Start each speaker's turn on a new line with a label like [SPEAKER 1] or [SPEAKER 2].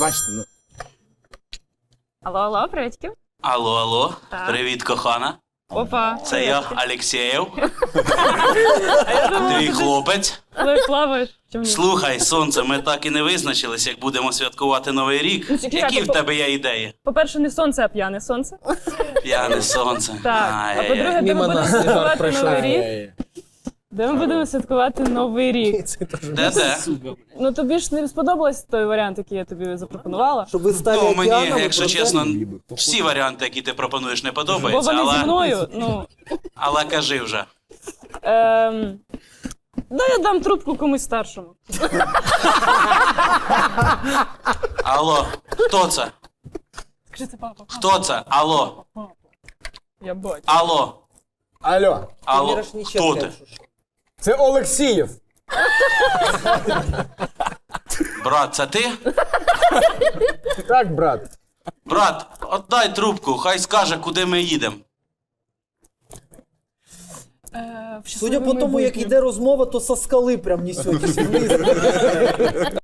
[SPEAKER 1] Пробачте, ну.
[SPEAKER 2] Алло, привітки.
[SPEAKER 3] Алло,
[SPEAKER 2] Так.
[SPEAKER 3] привіт, кохана.
[SPEAKER 2] Опа.
[SPEAKER 3] Це я, Алексєєв. Твій хлопець.
[SPEAKER 2] Але плаваєш. Чому ні?
[SPEAKER 3] Слухай, сонце, ми так і не визначились, як будемо святкувати Новий рік.
[SPEAKER 2] Ну, чекай,
[SPEAKER 3] Які в тебе є ідеї?
[SPEAKER 2] По-перше, не сонце, а п'яне сонце.
[SPEAKER 3] П'яне сонце.
[SPEAKER 2] Так. А
[SPEAKER 3] Ай-яй-яй.
[SPEAKER 2] по-друге, де ми
[SPEAKER 1] Мимо
[SPEAKER 2] будемо
[SPEAKER 1] нас
[SPEAKER 2] святкувати
[SPEAKER 1] жарт пройшов.
[SPEAKER 2] Новий рік? Де ми будемо святкувати Новий рік?
[SPEAKER 3] Де?
[SPEAKER 2] Ну тобі ж не сподобався той варіант, який я тобі запропонувала.
[SPEAKER 4] Щоб ви стали
[SPEAKER 3] Ну, мені,
[SPEAKER 4] океаном,
[SPEAKER 3] якщо
[SPEAKER 4] просто-
[SPEAKER 3] чесно, всі варіанти, які ти пропонуєш, не
[SPEAKER 2] Бо
[SPEAKER 3] подобаються,
[SPEAKER 2] вони зі
[SPEAKER 3] але,
[SPEAKER 2] мною, ну.
[SPEAKER 3] але кажи вже.
[SPEAKER 2] Да, я дам трубку комусь старшому.
[SPEAKER 3] Алло, хто це?
[SPEAKER 2] Скажи, це папа.
[SPEAKER 3] Хто це? Алло,
[SPEAKER 2] Я бачу.
[SPEAKER 3] алло,
[SPEAKER 1] Алло,
[SPEAKER 3] алло,
[SPEAKER 4] Мірошниченко,
[SPEAKER 3] хто ти?
[SPEAKER 4] якщо що.
[SPEAKER 1] це Олексієв.
[SPEAKER 3] Брат, це ти?
[SPEAKER 1] Так, брат.
[SPEAKER 3] Брат, отдай трубку, хай скаже, куди ми їдемо.
[SPEAKER 4] Судя по тому, як йде розмова, то со скали прям несетесь вниз.